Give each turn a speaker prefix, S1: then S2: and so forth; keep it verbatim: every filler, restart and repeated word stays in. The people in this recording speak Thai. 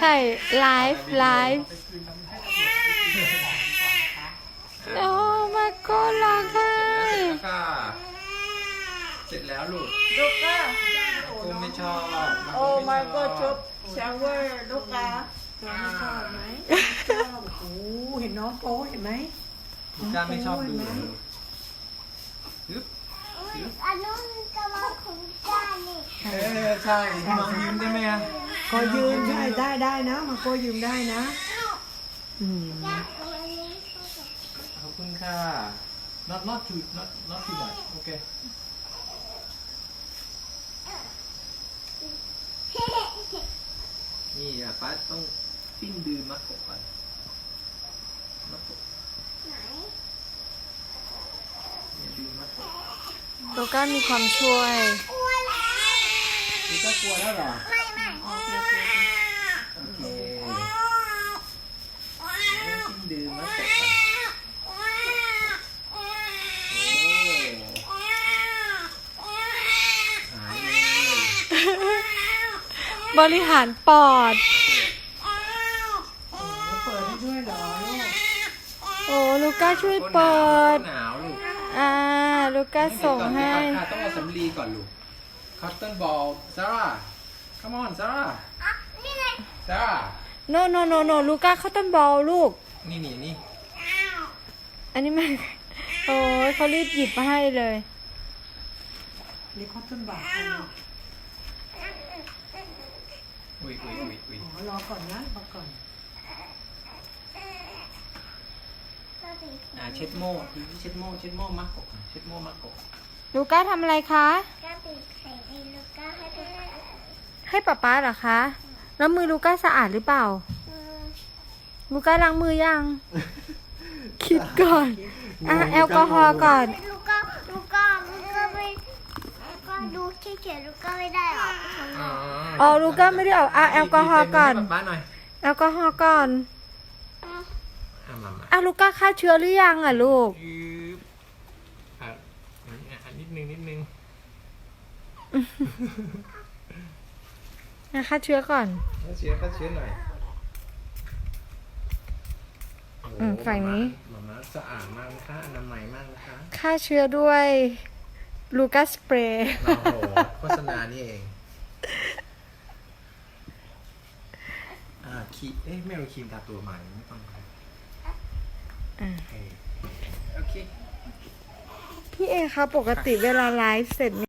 S1: ถ่ายไลฟ์ไลฟ์โอ้มาโก้ร้องไห้
S2: เสร็จแล้วลูก
S3: ลูกก้า
S2: กูไม่ชอบ
S3: โอ้มาโก้ชุบชาวเวอร์ลูกก้า
S4: น้องชอบไหมชอบโอ้โหเห็นน้องโป๊เห็นไหม
S2: ลูกก้าไม่ชอบดูฮึบ
S5: อันนู้นกำลังของจ้านี่
S2: เออใช่น้องยิ้มได้ไหมอ่ะ
S4: ก็ยืมได้ได้ได้นะมาโก้ยืมได้นะอืม
S5: จ้าเอาอันนี้เข้ากับ
S2: ขอบคุณค่ะ not not too not not too much โอเคนี่อ่ะป้าต้องปิ้งดื้อมากกว่าก่อนมากกว่า
S5: ไหน
S2: เนี่ยดื้อมากกว่า
S1: ลูก้ามีความช่วย
S5: อ้วนแล้ว
S2: ลูกก้ากลัวแล้วเหรอ
S5: ไม่ไม่โอเคโอเค
S2: โอเคปิ้งดื้อมากกว่าก่อนโอ้หายเลย
S1: บริหารปอด
S4: โอ้เปิดให้ด้วยเหรอลูก
S1: โอ้ลูก้าช่วยเปิด
S2: หนาวลูก
S1: อ่าลูก้าส่งให้
S2: ค่ะต้องเอาสำลีก่อนลูก คอตตอนบอลซาร่า come on ซาร่า
S5: อ่ะนี่ไง
S2: ซาร่า
S1: โนโนโนโนลูก้าเขาต้นบอลลูก
S2: นี่นี่นี่
S1: อันนี้มัน โอ้ยเขารีบหยิบมาให้เลย
S4: นี่คอตตอนบาทให้ลูก
S2: อุ้ยอุ้ยอุ้ยอุ้ย
S4: อ๋อรอก่อนนะรอก่อน
S2: อ่าเช็ดโม่เช็ดโม่เช็ดโม่มักกบเช็ดโม่มักกบ
S1: ลูก้าทำอะไรคะ
S5: ก้าปิดไข่ในลูกก้าให้เป็น
S1: ให้ป๊าป๊าเหรอคะ แล้วมือลูก้าสะอาดหรือเปล่า
S5: อืม
S1: ลูก้าล้างมือยัง คิดก่อน อ่ะแอลกอฮอล์ก่อน
S5: ลูกก้าลูกก้าลูกก้าไม่ลูกก้าดูเฉยๆลูกก้าไม่ได้หรอก
S2: อ๋อ
S1: อ๋อลูก้าไม่ได้เอาอ่ะแอลกอฮอล์ก่อน
S2: ป้าหน่อย
S1: แอลกอฮอล์ก่อน
S2: อ่ะมามา
S1: อ่ะลูก้าฆ่าเชื้อหรือยังอ่ะลูก
S2: ยืบอ่ะอ่ะนิดนึงนิดนึง
S1: อ่ะฆ่าเชื้อก่อน
S2: ก็เชื้อก็เชื้อหน่อย
S1: อืมฝั่งนี้
S2: หมามาสะอาดมากนะคะอนามัยมากนะคะ
S1: ฆ่าเชื้อด้วยลูก้าสเปรย์
S2: โอ้โหโฆษณานี่เอง อ่าคีเอ๊ะไม่เอาครีมทาตัวใหม่ไม่ต้องครับ
S1: อ่ะ
S2: โอเคโอเค
S1: พี่เอคะปกติเวลาไลฟ์เสร็จ